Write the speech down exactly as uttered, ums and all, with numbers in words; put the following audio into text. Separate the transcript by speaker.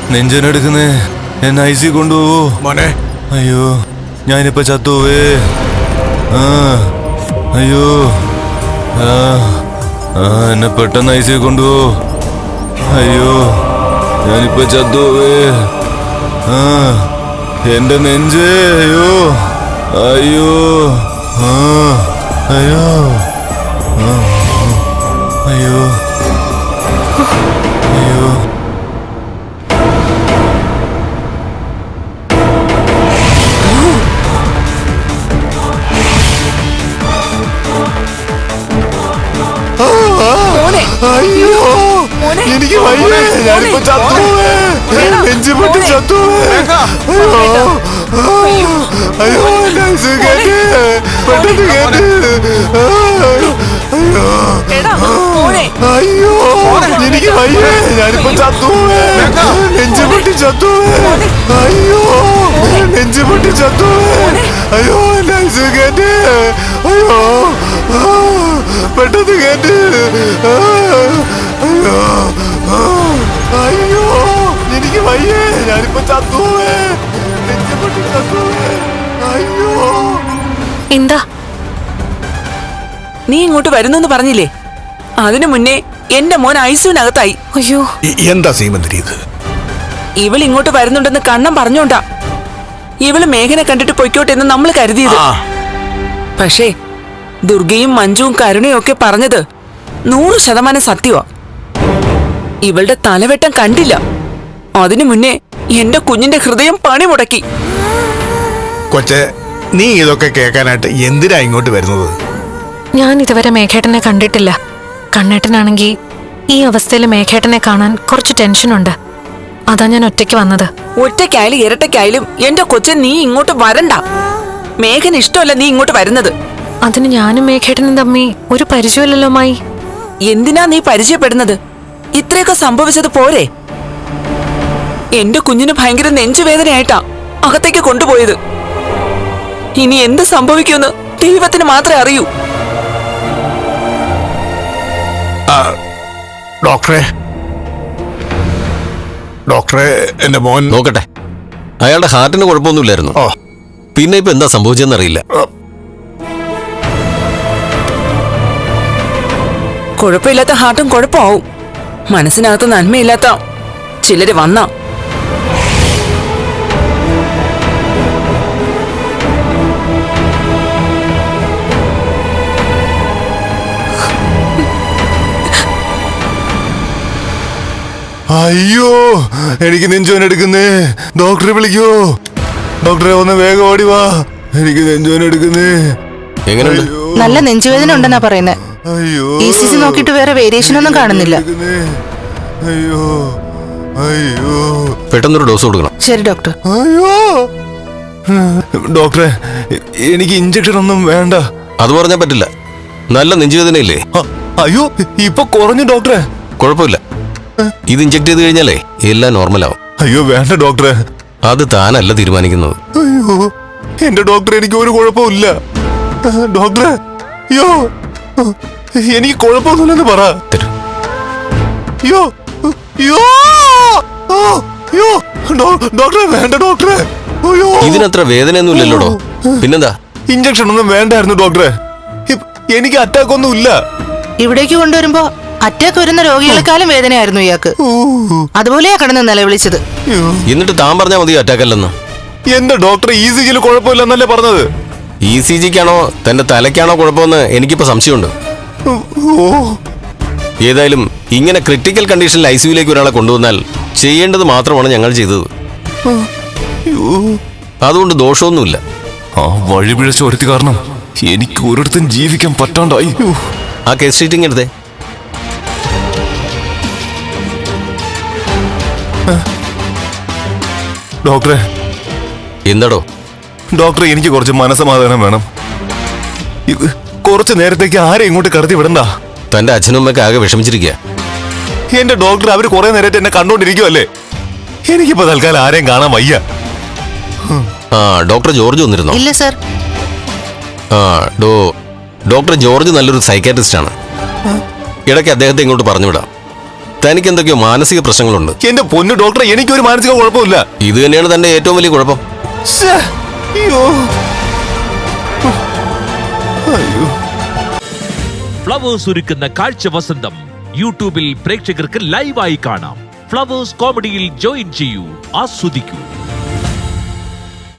Speaker 1: നെഞ്ചനെടുക്കുന്നേ, എന്നെ I C കൊണ്ടുപോവോ
Speaker 2: മോനെ?
Speaker 1: അയ്യോ, ഞാനിപ്പോ ചത്തുപോവേ. ആ അയ്യോ, ആ ആ എന്നെ പെട്ടെന്ന് ഐ സി കൊണ്ടുപോ. അയ്യോ, ഞാനിപ്പോ ചത്തുപോവേ. ആ എന്റെ നെഞ്ച്, അയ്യോ അയ്യോ, ആ അയ്യോ, ആ അയ്യോ അയ്യോ.
Speaker 2: അയ്യോ, എനിക്ക് വയ്യേ, ഞാനിപ്പോ ചത്തുപോവേ. നെഞ്ചു പൊട്ടി ചത്തുപോവേ. അയ്യോ അയ്യോ, എന്നെ ഐസിയു കേറ്റ്, പെട്ടെന്ന് കേറ്റ്. അയ്യോ, എനിക്ക് വയ്യേ, ഞാനിപ്പോ ചത്തുപോവേ. നെഞ്ചു പൊട്ടി ചത്തുപോവേ. അയ്യോ, നെഞ്ചു പൊട്ടി ചത്തുപോവേ. അയ്യോ, എന്നെ ഐസിയു കേറ്റ്. അയ്യോ, പെട്ടെന്ന് കേറ്റ്. അയ്യോ അയ്യോ, എനിക്ക് വയ്യേ, ഞാനിപ്പോ ചത്തുപോവേ. നെഞ്ചു പൊട്ടി ചത്തുപോവേ. അയ്യോ.
Speaker 3: എന്താ
Speaker 4: നീ ഇങ്ങോട്ട് വരുന്നെന്ന് പറഞ്ഞില്ലേ? അതിനു മുന്നേ എന്റെ മോൻ ഐസിയുനകത്തായി.
Speaker 3: അയ്യോ,
Speaker 2: എന്താ സീമന്തിരി ഇത്?
Speaker 4: ഇവൾ ഇങ്ങോട്ട് വരുന്നുണ്ടെന്ന് കണ്ണം പറഞ്ഞോണ്ടാ ഇവള് മേഘനെ കണ്ടിട്ട് പൊയ്ക്കോട്ടെ എന്ന് നമ്മൾ കരുതിയത്. പക്ഷേ ദുർഗയും മഞ്ജുവും കരുണയും ഒക്കെ പറഞ്ഞത് നൂറ് ശതമാനം സത്യമാ. ഇവളുടെ തലവെട്ടം കണ്ടില്ല. അതിനു മുന്നേ എന്റെ കുഞ്ഞിന്റെ ഹൃദയം പണി മുടക്കി.
Speaker 2: കൊച്ചെ, നീ ഇതൊക്കെ കേൾക്കാനായിട്ട് എന്തിനാ ഇങ്ങോട്ട് വരുന്നത്?
Speaker 3: ഞാൻ ഇതുവരെ മേഘേട്ടനെ കണ്ടിട്ടില്ല. കണ്ണേട്ടനാണെങ്കിൽ ഈ അവസ്ഥയിൽ മേഘേട്ടനെ കാണാൻ കുറച്ച് ടെൻഷനുണ്ട്. അതാ ഞാൻ ഒറ്റയ്ക്ക് വന്നത്.
Speaker 4: ഒറ്റയ്ക്കായാലും ഇരട്ടയ്ക്കായാലും എന്റെ കൊച്ചൻ നീ ഇങ്ങോട്ട് വരണ്ട. മേഘന് ഇഷ്ടമല്ല നീ ഇങ്ങോട്ട് വരുന്നത്.
Speaker 3: അതിന് ഞാനും മേഘേട്ടനും തമ്മി ഒരു പരിചയമില്ലല്ലോ മായി.
Speaker 4: എന്തിനാ നീ പരിചയപ്പെടുന്നത്? ഇത്രയൊക്കെ സംഭവിച്ചത് പോരെ? എന്റെ കുഞ്ഞിന് ഭയങ്കര നെഞ്ചുവേദനയായിട്ടാ അകത്തേക്ക് കൊണ്ടുപോയത്. ഇനി എന്ത് സംഭവിക്കുമെന്ന് ദൈവത്തിന് മാത്രമേ അറിയൂ.
Speaker 2: ഡോക്ടറെ, ഡോക്ടറെ, എന്റെ മോൻ
Speaker 5: നോക്കട്ടെ. അയാളുടെ ഹാർട്ടിന് കുഴപ്പമൊന്നുമില്ലായിരുന്നു.
Speaker 2: ഓ,
Speaker 5: പിന്നെ ഇപ്പൊ എന്താ സംഭവിച്ചെന്നറിയില്ല.
Speaker 4: കുഴപ്പമില്ലാത്ത ഹാർട്ടും കുഴപ്പമാവും. മനസ്സിനകത്ത് നന്മയില്ലാത്ത ചിലര് വന്ന
Speaker 1: അയ്യോ, എനിക്ക് നെഞ്ചോൻ എടുക്കുന്നേ. ഡോക്ടറെ വിളിക്കോ. ഡോക്ടറെ ഒന്ന് വേഗം ഓടി വാ, എനിക്ക് നെഞ്ചോൻ എടുക്കുന്നേ.
Speaker 5: എങ്ങനെയുണ്ട്?
Speaker 6: നല്ല നെഞ്ചുവേദന ഉണ്ടെന്നാ പറയുന്നത്.
Speaker 1: അയ്യോ,
Speaker 6: ഇ സി ജി നോക്കിയിട്ട് വേറെ വേരിയേഷൻ ഒന്നും കാണുന്നില്ല.
Speaker 1: അയ്യോ അയ്യോ,
Speaker 5: പെട്ടെന്നൊരു ഡോസ് കൊടുക്കണം.
Speaker 6: ശരി ഡോക്ടർ.
Speaker 1: അയ്യോ ഡോക്ടറെ, എനിക്ക് ഇഞ്ചക്ഷൻ ഒന്നും വേണ്ട.
Speaker 5: അത് പറഞ്ഞാൽ പറ്റില്ല. നല്ല നെഞ്ചുവേദനയില്ലേ?
Speaker 1: അയ്യോ, ഇപ്പൊ കുറഞ്ഞു ഡോക്ടറെ.
Speaker 5: കുഴപ്പമില്ല. ഇത് ഇഞ്ചക്ട് ചെയ്ത് കഴിഞ്ഞാലേ എല്ലാം നോർമലാവും.
Speaker 1: അയ്യോ വേണ്ട ഡോക്ടറെ.
Speaker 5: അത് താനല്ല തീരുമാനിക്കുന്നത്.
Speaker 1: അയ്യോ എന്റെ ഡോക്ടർ, എനിക്ക് ഒരു കുഴപ്പമില്ല ഡോക്ടറെ. അയ്യോ, എനിക്ക് കുഴപ്പമൊന്നുമില്ലെന്ന് പറ.
Speaker 5: തരൂ.
Speaker 1: അയ്യോ അയ്യോ അയ്യോ, ഡോക്ടറെ വേണ്ട ഡോക്ടറെ. അയ്യോ,
Speaker 5: ഇതിനത്ര വേദനയൊന്നുമില്ലല്ലോടോ. പിന്നെന്താ?
Speaker 1: ഇഞ്ചക്ഷൻ ഒന്നും വേണ്ടായിരുന്നു ഡോക്ടറെ. എനിക്ക് അറ്റാക്ക് ഒന്നും ഇല്ല.
Speaker 6: ഇവിടേക്ക് കൊണ്ടുവരുമ്പോ അറ്റാക്ക് വരുന്ന രോഗികളെക്കാളും വേദനയായിരുന്നു ഇയാൾക്ക്. അതുപോലെയാ കിടന്ന് നിലവിളിച്ചത്.
Speaker 5: എന്നിട്ട് താൻ പറഞ്ഞാൽ മതി അറ്റാക്ക് അല്ലെന്ന്.
Speaker 1: എന്റെ ഡോക്ടർ ഇ സി ജിയിൽ കുഴപ്പമില്ലെന്നല്ലേ പറഞ്ഞത്.
Speaker 5: ഇ സി ജിക്കാണോ തന്റെ തലയ്ക്കാണോ കുഴപ്പമെന്ന് എനിക്കിപ്പോ സംശയമുണ്ട്. ഏതായാലും ഇങ്ങനെ ക്രിട്ടിക്കൽ കണ്ടീഷനിൽ ഐ സിയുലേക്ക് ഒരാളെ കൊണ്ടുവന്നാൽ ചെയ്യേണ്ടത് മാത്രമാണ് ഞങ്ങൾ ചെയ്തത്. അതുകൊണ്ട് ദോഷമൊന്നുമില്ല.
Speaker 1: ആ വഴിപിഴച്ച ഒരുത്തി കാരണം എനിക്ക് ഒരിടത്തും ജീവിക്കാൻ പറ്റാണ്ടായി.
Speaker 5: ആ കേസ് ഷീറ്റിംഗ് എടുത്തേ.
Speaker 1: ഡോക്ടറെ.
Speaker 5: എന്താടോ?
Speaker 1: ഡോക്ടറെ, എനിക്ക് കുറച്ച് മനസ്സമാധാനം വേണം. ഇത് കുറച്ച് നേരത്തേക്ക് ആരെയും ഇങ്ങോട്ട് കടത്തി വിടണ്ട.
Speaker 5: തന്റെ അച്ഛനും അമ്മയൊക്കെ ആകെ വിഷമിച്ചിരിക്കുക.
Speaker 1: എന്റെ ഡോക്ടർ, അവര് കുറെ നേരത്തെ എന്നെ കണ്ടോണ്ടിരിക്കുവല്ലേ. എനിക്കിപ്പോ തൽക്കാലം ആരെയും കാണാൻ വയ്യ.
Speaker 5: ആ ഡോക്ടർ ജോർജ് വന്നിരുന്നോ?
Speaker 6: ഇല്ല സർ.
Speaker 5: ആ ഡോ ഡോക്ടർ ജോർജ് നല്ലൊരു സൈക്കാട്രിസ്റ്റ് ആണ്. ഇടയ്ക്ക് അദ്ദേഹത്തെ ഇങ്ങോട്ട് പറഞ്ഞു വിടാം. തനിക്ക് എന്തൊക്കെയോ മാനസിക പ്രശ്നങ്ങളുണ്ട്.
Speaker 1: എന്റെ പൊന്നു ഡോക്ടറെ, എനിക്കൊരു മാനസിക കുഴപ്പമില്ല.
Speaker 5: ഇത് തന്നെയാണ് തന്റെ ഏറ്റവും വലിയ കുഴപ്പം.
Speaker 1: ശ്ശേ, അയ്യോ അയ്യോ.
Speaker 7: ഫ്ലവേഴ്സ് ഒരുക്കുന്ന കാഴ്ച വസന്തം യൂട്യൂബിൽ പ്രേക്ഷകർക്ക് ലൈവായി കാണാം. ഫ്ലവേഴ്സ് കോമഡിയിൽ ജോയിൻ ചെയ്യൂ, ആസ്വദിക്കൂ.